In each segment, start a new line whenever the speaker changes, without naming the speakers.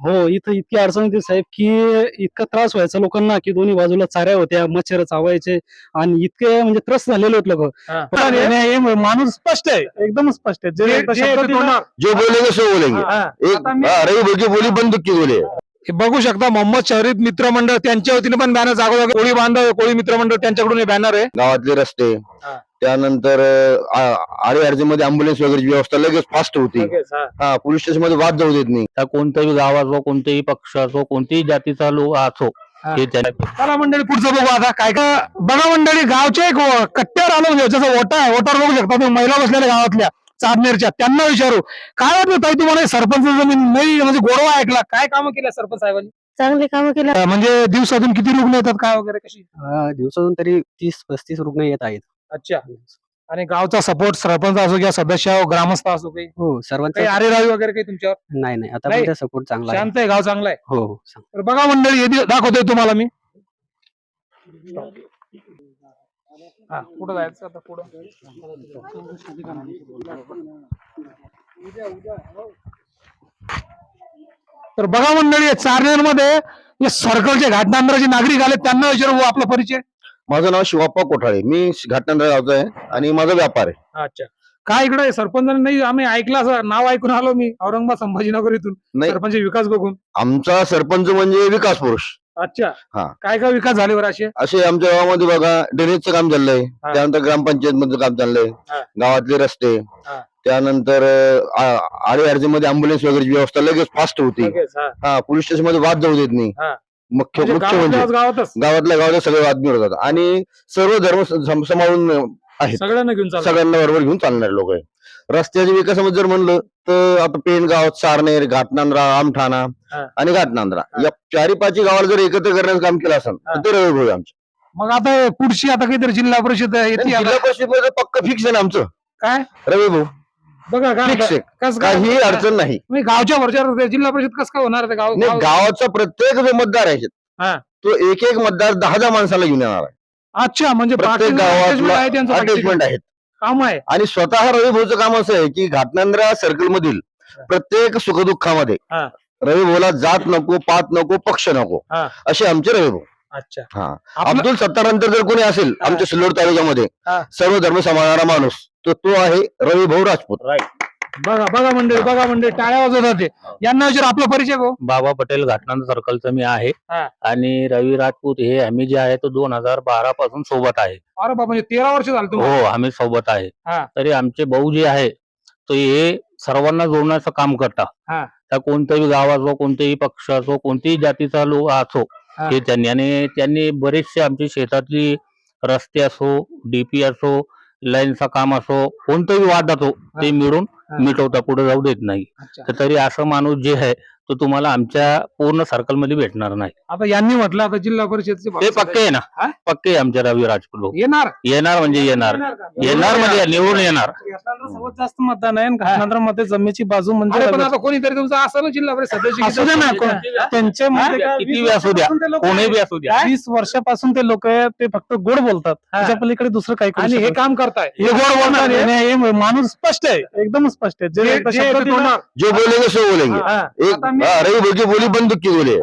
हो, इथं इतकी अडचण होती साहेब, की इतका त्रास व्हायचा लोकांना, की दोन्ही बाजूला चाऱ्या होत्या, मच्छर चावायचे आणि इतके म्हणजे त्रस्त झालेले होते लोक. हे माणूस स्पष्ट आहे, एकदम स्पष्ट आहे.
जो बोलेंगे सो बोलेंगे. रवी भोगी बोली बंदूक की बोले.
हे बघू शकता मोहम्मद शरीफ मित्रमंडळ त्यांच्या वतीने पण बॅनर जागोजागी कोळी बांधव कोळी मित्रमंडळ त्यांच्याकडून हे बॅनर आहे.
गावातले रस्ते त्यानंतर अडीअडचणीमध्ये अँब्युलन्स वगैरे व्यवस्था लगेच फास्ट होती. पोलीस स्टेशन मध्ये वाद जाऊ देत नाही.
त्या कोणत्याही गावाचो कोणत्याही पक्षाचो कोणत्याही जातीचा लोक असो हे
चला मंडळी पुढचं बघू आता काय का बघा मंडळी गावचे एक कट्ट्यावर आलो ज्याचा ओटा आहे ओटावर बघू शकता तुम्ही महिला बसलेल्या गावातल्या चारनेरच्या त्यांना विचारू काय वाटतं ताई तुम्हाला सरपंच जमीन नाही म्हणजे गोडवा ऐकला काय कामं केल्या सरपंच साहेबांनी
चांगले काम केलं
म्हणजे दिवसातून किती रुग्ण येतात काय वगैरे कशी
दिवसातून तरी 30-35 रुग्ण येत आहेत.
अच्छा आणि गावचा सपोर्ट सरपंच असो किंवा सदस्य ग्रामस्थ असो काही
हो, सर्वांचा
काही आरेरावी वगैरे काही तुमच्यावर
नाही आता
नाही.
पण सपोर्ट चांगला आहे.
शांत आहे गाव चांगला आहे.
हो, सांग.
तर बघा मंडळी हे दाखवतोय तुम्हाला मी कुठं जायचं आता पुढं तर बघा मंडळी चारनेरमध्ये सर्कलचे घाटनांदराचे नागरिक आले त्यांना विचारू आपला परिचय.
माझं नाव शिवाप्पा कोठाळे. मी घाटनांदरा गावचा आहे आणि माझा व्यापार आहे.
अच्छा काय इकडे सरपंचांनी नाही आम्ही ऐकलं असं नाव ऐकून आलो मी औरंगाबाद संभाजीनगर इथून
नाही.
सरपंच विकास बघून.
आमचा सरपंच म्हणजे विकास पुरुष.
अच्छा
हा.
काय काय विकास झाले बरं असे
असे आमच्या गावामध्ये बघा ड्रेनेजचं काम चाललंय. त्यानंतर ग्रामपंचायत मधलं काम चाललंय. गावातले रस्ते त्यानंतर अडीअडचणीमध्ये अँब्युलन्स वगैरे व्यवस्था लगेच फास्ट होती. पोलीस स्टेशन मध्ये वाद जाऊ देत नाही. मुख्य म्हणजे गावातल्या गावात सगळे वाद मिळवतात आणि सर्व धर्म सांभाळून आहेत. सगळ्यांना बरोबर घेऊन चालणारे लोक आहे. रस्त्याच्या विकासामध्ये जर म्हणलं तर आता पेनगाव चारनेर घाटनांद्रा आमठाणा आणि घाटनांद्रा या 4-5 गावाला जर एकत्र करण्याचं काम केलं असेल तर ते रवी भाऊ आमचं.
मग आता पुढची आता काहीतरी जिल्हा परिषद
जिल्हा परिषद मध्ये पक्क फिक्स आहे ना आमचं
काय
रवी भाऊ.
बघा
फिक्स आहे, काही अडचण नाही.
गावच्या वरच्या जिल्हा परिषद कसं काय होणार
गावाचा प्रत्येक जो मतदार आहे तो एक मतदार 10 माणसाला घेऊन येणार आहे.
अच्छा म्हणजे
प्रत्येक गावात अटॅचमेंट आहेत
काम आहे.
आणि स्वतः रवी भाऊचं काम असं आहे की घाटनांद्रा सर्कल मधील प्रत्येक सुखदुःखामध्ये रवी भाऊला जात नको पात नको पक्ष नको असे आमचे रवी भाऊ.
अच्छा
हा अब्दुल सत्तार नंतर जर कोणी असेल आमच्या सिल्लोड तालुक्यामध्ये सर्व धर्म सांभाळणारा माणूस तर तो आहे रवी भाऊ राजपूत.
बघा बघा मंडळी टाळ्या वाजवतात ते. यांना विचार आपला परिचय गो.
बाबा पटेल घाटनांद सर्कलचं मी आहे आणि रवी राजपूत हे आम्ही जे आहे तो 2012 पासून सोबत आहे.
अरे बाबा म्हणजे 13 वर्ष झालं
हो आम्ही सोबत आहे. तरी आमचे भाऊ जे आहे तो हे सर्वांना जोडण्याचं काम करतात. त्या कोणत्याही गावाचो कोणत्याही पक्षाचो कोणत्याही जातीचा लोक असो हे त्यांनी बरेचसे आमची शेतातली रस्ते असो डीपी असो लाईनचा काम असो कोणताही वाद असो ते मिळून मिटवता पुढे जाऊ देत नाही. तर तरी असं माणूस जे आहे तो तुम्हाला आमच्या पूर्ण सर्कल मध्ये भेटणार नाही.
आता यांनी म्हटलं आता जिल्हा परिषद
ते पक्के आहे ना पक्के आमच्या रवी राजपूत भाऊ येणार म्हणजे येणार म्हणजे निवडून येणार.
सर्वात जास्त मतदान आहे घाटनांद्रा मध्ये जमिनीची बाजू म्हणजे
पण आता कोणीतरी तुमचं असं ना जिल्हा परिषद
त्यांच्या
किती बी असू द्या कोणी बी असू द्या
20 वर्षापासून ते लोक ते फक्त गोड बोलतात त्याच्या पलीकडे दुसरं काही
आणि हे काम करताय
हे माणूस स्पष्ट आहे एकदम स्पष्ट आहे.
जो बोलेंगे सो बोलेंगे. रवी भाऊ बोली बंदूक की बोले.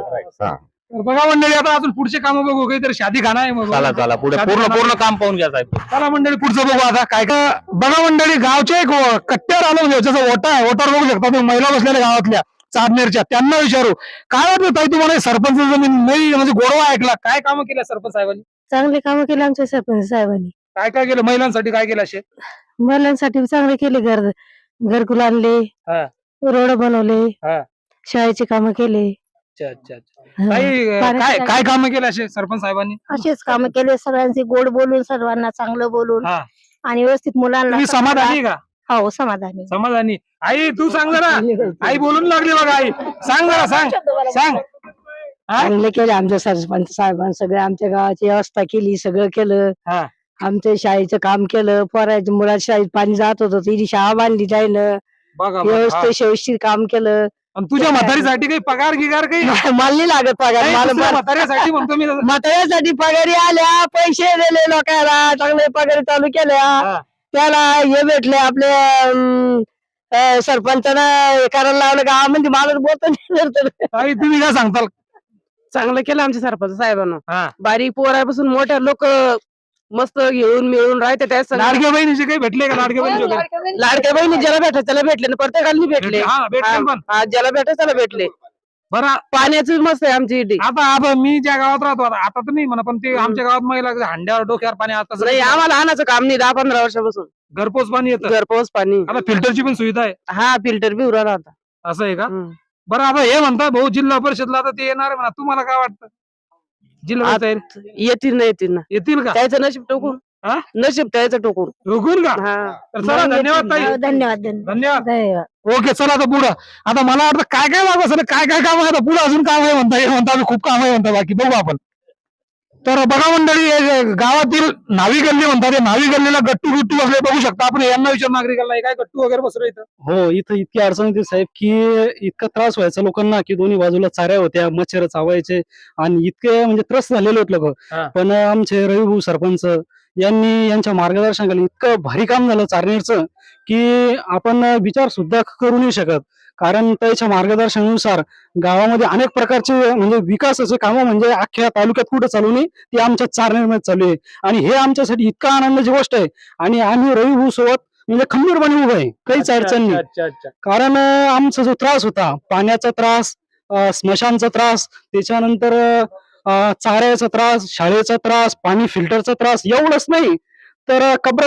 बघा मंडळी आता अजून पुढचे काम बघू काहीतरी शादी खाना आहे.
चला पुढे पूर्ण काम पाहून घ्या साहेब.
चला मंडळी पुढचं बघू आता काय का बघा मंडळी गावचे एक कट्ट्यावर आलो ज्याचा ओटा आहे ओटावर बघू शकता तुम्ही महिला बसलेल्या गावातल्या चारनेरच्या त्यांना विचारू काय वाटतं ताई तुम्हाला सरपंच जमीन नाही म्हणजे गोडवा ऐकला काय कामं केल्या सरपंच साहेबांनी.
चांगले काम केले आमच्या सरपंच साहेबांनी.
काय काय केलं महिलांसाठी काय केलं असे
महिलांसाठी चांगले केले घरकुल आणले रोड बनवले शाळेची कामं केले.
काय कामं केले असे सरपंच साहेबांनी.
असेच काम केले सगळ्यांचे गोड बोलून सर्वांना चांगलं बोलून आणि व्यवस्थित मुलांना.
समाधानी का.
हो समाधानी.
आई तू सांग जरा आई बोलून लागली बघा आई सांग जरा सांग
चांगले केले आमच्या सरपंच साहेबांनी सगळं आमच्या गावाची व्यवस्था केली सगळं केलं. आमच्या शाळेचं काम केलं पोराच्या मुलाच्या शाळेत पाणी जात होतं ती शाळा बांधली जायनं व्यवस्थित काम केलं.
तुझ्या म्हातारीसाठी काही पगार गिगार काही
मला नाही लागत पगार.
म्हाताऱ्यासाठी म्हणतो मी
म्हाताऱ्यासाठी पगारी आल्या पैसे दिले लोकांना चांगले पगारी चालू केल्या त्याला हे भेटले आपले सरपंचानं हे करायला लावलं गावामध्ये माणूस बोलतो नाही तर.
ताई तुम्ही काय सांगताल?
चांगलं केलं आमच्या सरपंच साहेबांना.
हा.
बारीक पोरापासून मोठ्या लोक मस्त घेऊन मिळून राहते त्या सगळ्या.
लाडक्या बहिणीचे काही भेटले का? लाडक्या बहिणी वगैरे?
लाडक्या बहिणी ज्याला भेटत त्याला भेटले ना, प्रत्येकाला भेटले.
हा, भेटले पण.
हा, ज्याला भेटत त्याला भेटले.
बरं
पाण्याची मस्त आहे आमची इथे.
आता मी ज्या गावात राहतो आता तर नाही म्हणा, पण ते आमच्या गावात महिला हांड्यावर डोक्यावर पाणी आता
नाही आम्हाला आणायचं काम नाही 10-15 वर्षापासून.
घरपोच पाणी येतं.
घरपोच पाणी.
आता फिल्टरची पण सुविधा आहे.
हा, फिल्टर बी उराला आता.
असं आहे का?
हम्म.
बरं आता हे म्हणता भाऊ जिल्हा परिषदला आता ते येणार आहे म्हणा, तुम्हाला काय वाटतं? जिल्हा परिषद
येतील ना येतील ना.
येतील का?
त्याचं नशीब टोकून.
हा?
नशीब त्याचं टोकून.
रोखून का?
हा.
तर चला धन्यवाद ताई.
धन्यवाद
धन्यवाद.
धन्यवाद.
ओके चला आता पुढं. आता मला वाटतं काय काय लागू असेल, काय काय काम आहे आता पुढे अजून काम आहे म्हणता, हे म्हणता आम्ही खूप काम आहे म्हणता, बाकी बघू आपण. तर बघा मंडळी, हे गावातील नावी गल्ली म्हणतात, ते नावी गल्लीला गट्टू गुट्टू बसले बघू शकता आपण. यांना विचार नागरिकांना, हे काय गट्टू वगैरे बसले इथं?
हो, इथं इतकी अडचण होती साहेब की इतका त्रास व्हायचा लोकांना की दोन्ही बाजूला चाऱ्या होत्या, मच्छर चावायचे आणि इतके म्हणजे त्रस्त झालेले होते लोक.
हा.
पण आमचे रविभाऊ सरपंच यांनी यांच्या मार्गदर्शनाखाली इतकं भारी काम झालं चारणीचं की आपण विचार सुद्धा करू नाही शकत. कारण त्याच्या मार्गदर्शनानुसार गावामध्ये अनेक प्रकारचे म्हणजे विकासाचे कामं म्हणजे अख्ख्या तालुक्यात कुठं चालू नाही, ते आमच्या चारणीमध्ये चालू आहे. आणि हे आमच्यासाठी इतका आनंदाची गोष्ट आहे. आणि आम्ही रविभाऊ सोबत म्हणजे खंबीरपणे उभं आहे, काहीच अडचण नाही.
अच्छा अच्छा.
कारण आमचा जो त्रास होता, पाण्याचा त्रास, स्मशानचा त्रास, त्याच्यानंतर चाऱ्याचा त्रास, शाळेचा त्रास, पाणी फिल्टरचा त्रास, एवढंच नाही तर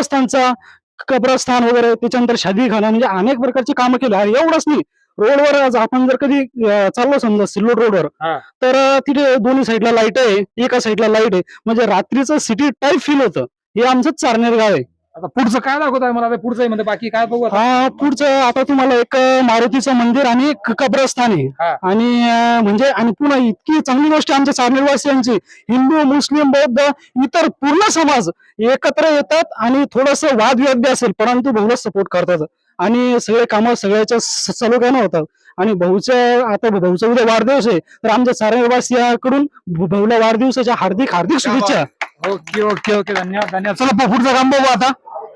कब्रस्तान वगैरे, त्याच्यानंतर शादीखाना, म्हणजे अनेक प्रकारची कामं केली. आणि एवढंच नाही, रोडवर आज आपण जर कधी चाललो समजा सिल्लोड रोडवर,
हा.
तर तिथे दोन्ही साईडला लाईट आहे, एका साईडला लाईट आहे, म्हणजे रात्रीचं सिटी टाईप फील होतं. हे आमचं चारनेर गाव आहे.
आता पुढचं काय दाखवत आहे मला? आता पुढचं म्हणजे बाकी काय बघू आता?
पुढचं आता तुम्हाला एक मारुतीचं मंदिर आणि एक कब्रस्तान आहे.
हा.
आणि म्हणजे आणि पुन्हा इतकी चांगली गोष्ट आमच्या चारणीवासियांची, हिंदू, मुस्लिम, बौद्ध, इतर पूर्ण समाज एकत्र येतात आणि थोडस वादविवाद असेल परंतु भाऊला सपोर्ट करतात आणि सगळे कामं सगळ्याच्या सलोख्यानं होतात. आणि आता भाऊचा उद्या वाढदिवस आहे, तर आमच्या चारणीवासियाकडून भाऊला वाढदिवसाच्या हार्दिक हार्दिक शुभेच्छा.
ओके ओके ओके, धन्यवाद धन्यवाद. चला पुढचं काम बघू आता.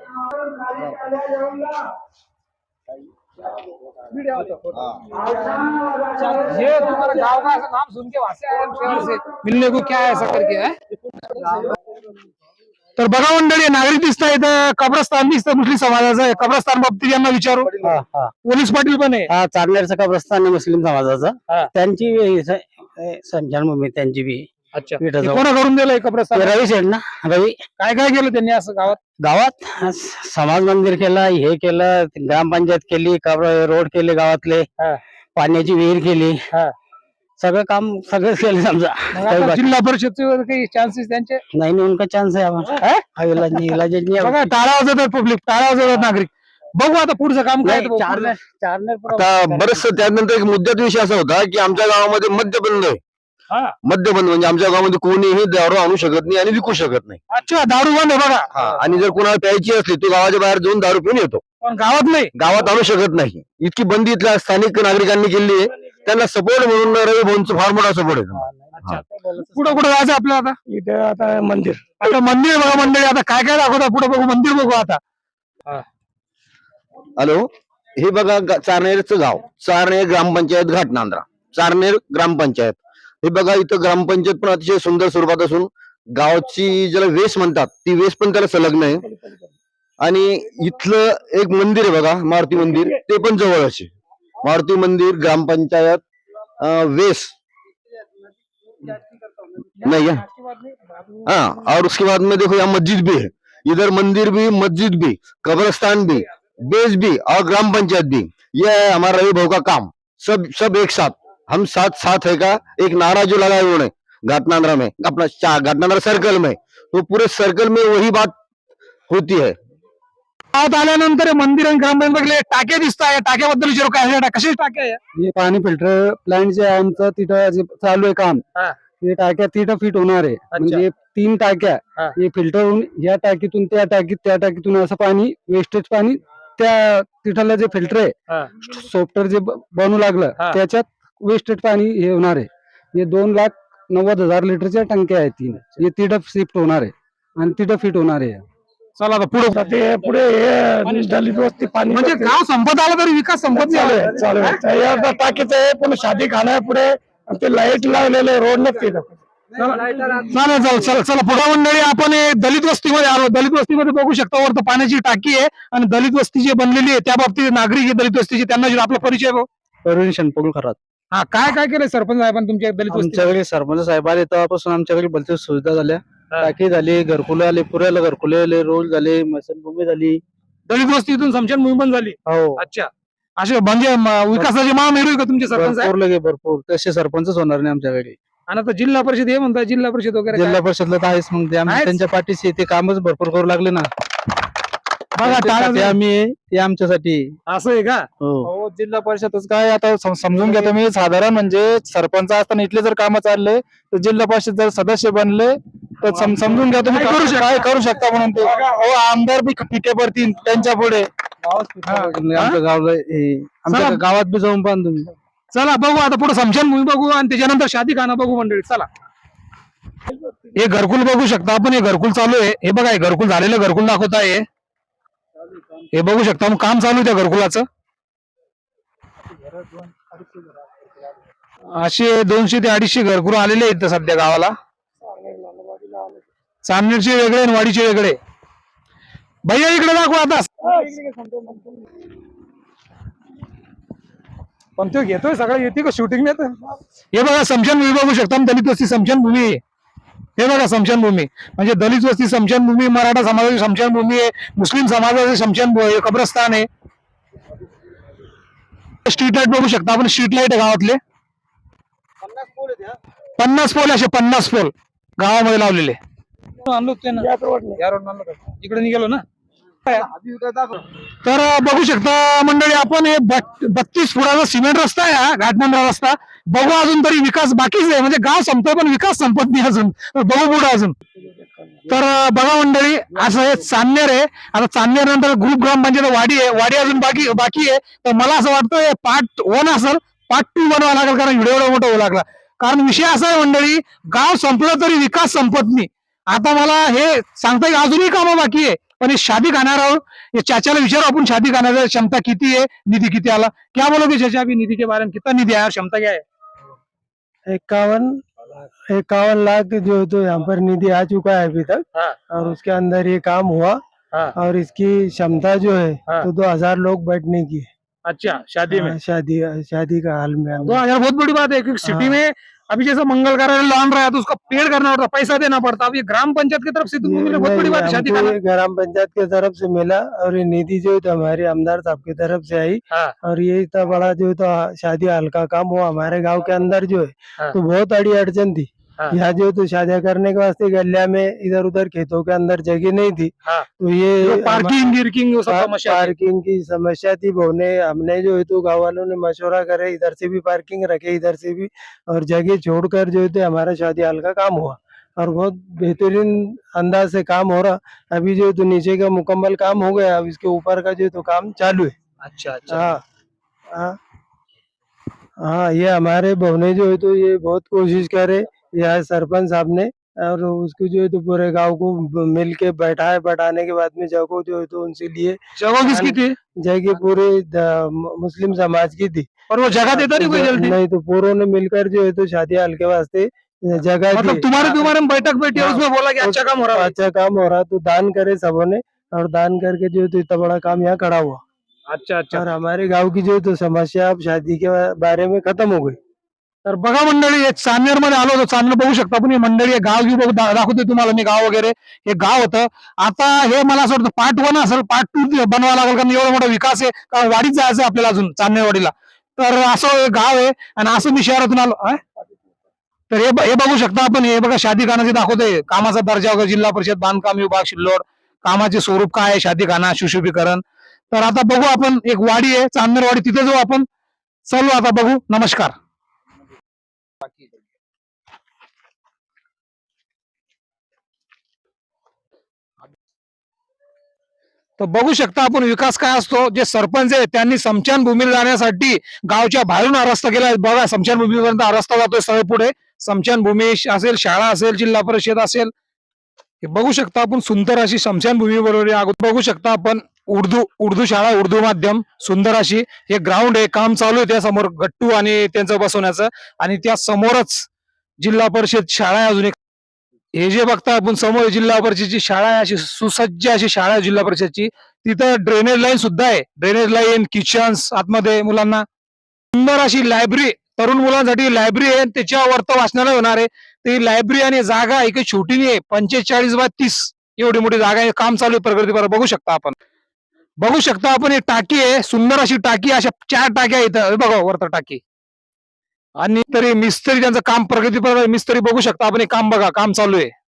ये तुम्हारा गांव का ऐसा नाम सुन के वासे आए हम शहर से मिलने को, क्या है ऐसा करके है? तर बघा मंडळी, नागरिक दिसता इथं कब्रस्तान दिसतं मुस्लिम समाजाचं आहे. कब्रस्तान बाबतीत यांना विचारू. पोलीस पाटील पण आहे.
चारनेरचं कब्रस्तान आहे मुस्लिम
हा.
समाजाचं, त्यांची संचारभूमी त्यांची बी.
अच्छा, हे कोणा करून दिलंय कब्रस्तान?
रवी सेठ ना, रवी.
काय काय केलं त्यांनी असं गावात?
गावात समाज मंदिर केलं, हे केलं, ग्रामपंचायत केली, रोड केले गावातले,
हा.
पाण्याची विहीर केली,
हा.
सगळं काम सगळंच केलं समजा.
मग आता जिल्हा परिषदचे काही चान्सेस त्यांचे?
नाही नाही, उनका चान्स आहे आम्हाला. इलाज नाही, इलाज नाही.
बघा, टाळा वाजवतात पब्लिक, टाळा वाजवतात नागरिक. बघू आता पुढचं काम काय आहे ते बघू.
आता बरंच त्यानंतर एक मुद्द्याचा विषय असा होता की आमच्या गावामध्ये मद्यबंद आहे.
हा.
मद्यबंद म्हणजे आमच्या गावामध्ये कोणीही दारू आणू शकत नाही आणि विकू शकत नाही.
अच्छा, दारू बंद आहे बघा.
आणि जर कोणाला प्यायची असली तो गावाच्या बाहेर जाऊन दारू पिऊन येतो,
पण गावात नाही.
गावात आणू शकत नाही. इतकी बंदी इथल्या स्थानिक नागरिकांनी केली आहे. त्यांना सपोर्ट म्हणून रवी भाऊंचा फार मोठा सपोर्ट आहे.
अच्छा, पुढे कुठे जायचं आपल्याला आता?
इथे आता मंदिर.
आता मंदिर बघा मंडळी, आता काय काय दाखवता पुढे बघू, मंदिर बघू आता.
हॅलो, हे बघा चारनेरचं गाव, चारनेर ग्रामपंचायत घाटनांद्रा, चारनेर ग्रामपंचायत. हे बघा इथं ग्रामपंचायत पण अतिशय सुंदर स्वरूपात असून गावची ज्याला वेस म्हणतात ती वेस पण त्याला संलग्न आहे. आणि इथलं एक मंदिर आहे बघा, मारुती मंदिर, ते पण जवळच आहे. मारुती मंदिर, ग्रामपंचायत, वेस नहीं है। हाँ, और उसके बाद में देखो यहाँ मस्जिद भी है, इधर मंदिर भी, मस्जिद भी, कब्रिस्तान भी, बेस भी और ग्राम पंचायत भी। यह है हमारा रवि भाऊ का काम। सब एक साथ, हम साथ है का एक नारा जो लगाए उन्होंने घाटनांद्रा में, अपना घाटनांद्रा सर्कल में, तो पूरे सर्कल में वही बात होती है।
गावात आल्यानंतर मंदिर आणि ग्रामपंचायत टाके दिसत आहे, टाक्याबद्दल विचारू काय? कसे टाके आहे?
हे पाणी फिल्टर प्लांट जे आहे आमचं तिथं जे चालू आहे काम,
हा.
ते टाक्या तिथं फिट होणार आहे. म्हणजे 3 टाक्या,
हा.
हे फिल्टर होऊन या टाकीतून त्या टाकीत, त्या टाकीतून असं पाणी, वेस्टेज पाणी त्या तिथलं जे फिल्टर आहे, सॉफ्टवेअर जे बनू लागलं त्याच्यात वेस्टेज पाणी हे होणार आहे. हे 2,90,000 लिटरच्या टंक्या आहेत 3, हे तिथं शिफ्ट होणार आहे आणि तिथं फिट होणार आहे.
चला आता पुढे
ते पुढे हे दलित वस्ती पाणी
म्हणजे गाव संपत आलं तरी विकास संपत
चालू
नाही
आहे चालू आहे अर्धा टाकीचं आहे पण शादी खाना आहे पुढे आणि ते लाईट लावलेले रोड नसते
चालेल चला चला पुढे मंडळी आपण हे दलित वस्तीमध्ये आलो. दलित वस्तीमध्ये बघू शकता वरती पाण्याची टाकी आहे आणि दलित वस्ती जी बनलेली आहे त्या बाबतीत नागरिक आहे दलित वस्तीचे त्यांना जे आपला परिचय भाऊ.
अरुण शनपगुळ खरात.
हा काय काय केलंय सरपंच साहेबांनी तुमच्या दलित वस्ती
आमच्याकडे सरपंच साहेब आले तेव्हापासून आमच्याकडे भलते सुविधा झाल्या. टाकी झाली, घरकुले आले, पुऱ्याला घरकुले आले, रोड झाले, मसनभूमी झाली.
दलित वस्तीतून समशानभूमी पण झाली.
हो
अच्छा असे म्हणजे विकासाचे महामेरू आहे का तुमचे सरपंच साहेब?
भरपूर लगे भरपूर तसे सरपंचच होणार नाही आमच्याकडे.
आणि आता जिल्हा परिषद हे म्हणतात जिल्हा परिषद वगैरे
जिल्हा
काय?
परिषदला तर आहेच मग ते आम्ही
आहेच?
त्यांच्या पाठीशी ते कामच भरपूर करू लागले ना.
बघा
ते
टाळा
आम्ही आहे, ते आमच्यासाठी.
असं आहे का?
हो
जिल्हा परिषदच काय आता समजून घ्या तुम्ही साधारण म्हणजे सरपंच असताना इथले जर काम चालले तर जिल्हा परिषद जर सदस्य बनले तर समजून घ्या तुम्ही काय करू शकता म्हणून ते आमदार बी पिके पडतील त्यांच्या पुढे.
आमच्या गावाला आमच्या
चला.
गावात बी जाऊन पाहा तुम्ही.
चला बघू आता पुढे समशानभूमी बघू आणि त्याच्यानंतर शादीखाना बघू मंडळी. चला हे घरकुल बघू शकता आपण. हे घरकुल चालू आहे. हे बघा हे घरकुल झालेलं घरकुल दाखवत आहे. हे बघू शकता मग काम चालू आहे त्या घरकुलाचं. असे 200 ते 250 घरकुल आलेले आहेत सध्या गावाला. चांदणीचे वेगळे आणि वाडीचे वेगळे. भैया इकडे दाखव आता. पण तो घेतोय सगळं येते का शूटिंग नाही. हे बघा स्मशानभूमी बघू शकता. दलित वस्ती स्मशानभूमी आहे. हे बघा स्मशानभूमी म्हणजे दलित वस्ती स्मशानभूमी, मराठा समाजाची स्मशानभूमी आहे, मुस्लिम समाजाची स्मशानभूमी कब्रस्तान आहे. स्ट्रीट लाईट बघू शकता आपण. स्ट्रीट लाईट आहे गावातले 50 पोल असे 50 पोल गावामध्ये लावलेले. आणलो इकडे निघालो ना. तर बघू शकता मंडळी आपण हे 32 फुटाचा सिमेंट रस्ता आहे हा घाटमांडा रस्ता. बघू अजून तरी विकास बाकीच आहे म्हणजे गाव संपतोय पण विकास संपत नाही अजून. बघू पुढे अजून. तर बघा मंडळी असं हे चांदनेर आहे. आता चांदनेर नंतर ग्रुप ग्रामपंचायत वाडी आहे. वाडी अजून बाकी आहे. तर मला असं वाटतं पार्ट 1 असेल, पार्ट 2 बनवावा लागेल कारण व्हिडिओ एवढा मोठा होऊ लागला. कारण विषय असा आहे मंडळी गाव संपलं तरी विकास संपत नाही. आता मला हे सांगता येईल अजूनही कामं बाकी आहे पण हे शादी खाण्यावर ये चाचाला विचारो आपण शादी खाण्याची क्षमता किती है, निधि किती आला. क्या बोलोगे चाचा अभी निधि के बारे में? कितना निधि आया, क्षमता क्या है?
51 लाख जो तो यहाँ पर निधि आ चुका है अभी तक। और उसके अंदर ये काम हुआ। और इसकी क्षमता जो है तो 2000 लोग बैठने की है।
अच्छा शादी में
शादी का हाल में
2000 बहुत बड़ी बात है क्योंकि सिटी में अभी जैसा मंगल कार्यालय लॉन रहा है तो उसका पेड़ करना पड़ता, पैसा देना पड़ता. अब ये ग्राम पंचायत की तरफ से तुमको मिला, बहुत बड़ी बात है शादी खाना.
ग्राम पंचायत की तरफ से मिला और ये निधि जो है तो हमारे आमदार साहब की तरफ से आई। और ये इतना बड़ा जो है तो शादी हाल का काम हुआ हमारे गांव के अंदर जो है तो बहुत अड़ी अड़चन थी। यहाँ जो तो शादियां करने के वास्ते गलिया में इधर उधर खेतों के अंदर जगह नहीं थी। तो ये पार्किंग की समस्या थी। हमने जो है तो गाँव वालों ने मशवरा करे इधर से भी पार्किंग रखे इधर से भी और जगह छोड़कर जो है तो हमारा शादी हाल का काम हुआ और बहुत बेहतरीन अंदाज से काम हो रहा। अभी जो है तो नीचे का मुकम्मल काम हो गया, अब इसके ऊपर का जो है तो काम चालू है।
अच्छा
हाँ ये हमारे बहुने जो है तो ये बहुत कोशिश करे यहाँ सरपंच साहब ने और उसको जो है तो पूरे गांव को मिल के बैठाने के बाद में जगह जो है तो उनसे लिए।
जगह किसकी थी?
जगह पूरे मुस्लिम समाज की थी।
और वो जगह देता नहीं कोई जल्दी?
नहीं, तो पूरों ने मिलकर जो है तो शादी हाल के वास्ते जगह
मतलब
दी।
तुम्हारे में बैठक बैठी है उसमें बोला कि अच्छा काम हो रहा है.
अच्छा काम हो रहा तो दान करे सबों ने और दान करके जो है तो इतना बड़ा काम यहाँ खड़ा हुआ।
अच्छा
और हमारे गांव की जो है तो समस्या अब शादी के बारे में खत्म हो गई।
तर बघा मंडळी हे चांदनेर मध्ये आलो होतो. चांदनेर बघू शकता पण हे मंडळी हे गाव घेऊ दाखवते तुम्हाला मी गाव वगैरे. हे गाव होतं. आता हे मला असं वाटतं पार्ट 1 असेल, पार्ट 2 बनवावा लागेल कारण एवढा मोठा विकास आहे. कारण वाडीत जायचं आपल्याला अजून चांदनेरवाडीला. तर असं हे गाव आहे आणि असं मी शहरातून आलो. तर हे बघू शकता आपण. हे बघा शादीखानाचे दाखवतोय कामाचा दर्जा वगैरे, जिल्हा परिषद बांधकाम विभाग सिल्लोड, कामाचे स्वरूप काय आहे, शादीखाना सुशोभीकरण. तर आता बघू आपण. एक वाडी आहे चांदनेरवाडी, तिथे जाऊ आपण. चलू आता बघू. नमस्कार. तर बघू शकता आपण विकास काय असतो. जे सरपंच आहे त्यांनी स्मशानभूमीला जाण्यासाठी गावच्या बाहेरून हा रस्ता केला. बघा स्मशानभूमीपर्यंत हा रस्ता जातोय सरळ पुढे. स्मशानभूमी असेल, शाळा असेल, जिल्हा परिषद असेल, हे बघू शकता आपण सुंदर अशी शमशानभूमी बरोबर बघू शकता आपण उर्दू शाळा उर्दू माध्यम सुंदर अशी हे ग्राउंड आहे काम चालू आहे त्या समोर गट्टू आणि त्यांचं बसवण्याचं आणि त्या समोरच जिल्हा परिषद शाळा आहे अजून एक हे जे बघता आपण समोर जिल्हा परिषदची शाळा आहे अशी सुसज्ज अशी शाळा आहे जिल्हा परिषदची तिथं ड्रेनेज लाईन सुद्धा आहे ड्रेनेज लाईन किचन्स आतमध्ये मुलांना सुंदर अशी लायब्ररी तरुण मुलांसाठी लायब्ररी आहे त्याच्यावर तर वाचनालय होणार आहे ती लायब्ररी आणि जागा आहे काही छोटी नाही आहे 45x30 एवढी मोठी जागा आहे काम चालू आहे प्रगतीपर बघू शकता आपण ही टाकी आहे सुंदर अशी टाकी अशा 4 टाक्या इथं हे बघा वरत टाकी आणि तरी मिस्त्री त्यांचं काम प्रगतीपर मिस्त्री बघू शकता आपण हे काम बघा काम चालू आहे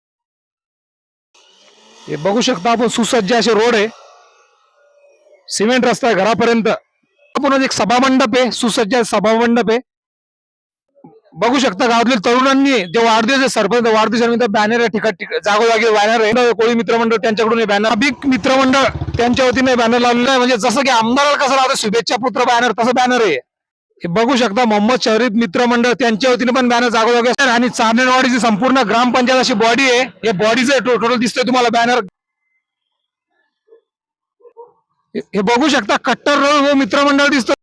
हे बघू शकता आपण सुसज्ज असे रोड आहे सिमेंट रस्ता आहे घरापर्यंत आपण एक सभामंडप आहे सुसज्ज सभामंडप आहे बघू शकता गावातील तरुणांनी जे वाढदिवस सरपंच वाढदिवसानिमित्त बॅनर आहे जागोजागी बॅनर आहे कोळी मित्रमंडळ त्यांच्याकडून बॅनर अभिक मित्रमंडळ त्यांच्या वतीने बॅनर लावलेला आहे म्हणजे जसं की आमदाराला कसं लावतं शुभेच्छा पुत्र बॅनर तसं बॅनर आहे हे बघू शकता मोहम्मद शरीफ मित्रमंडळ त्यांच्या वतीने पण बॅनर जागोजागी असतात आणि चारनेरवाडीची संपूर्ण ग्रामपंचायत अशी बॉडी आहे हे बॉडीचं टोटल दिसतंय तुम्हाला बॅनर हे बघू शकता कट्टर मित्रमंडळ दिसतं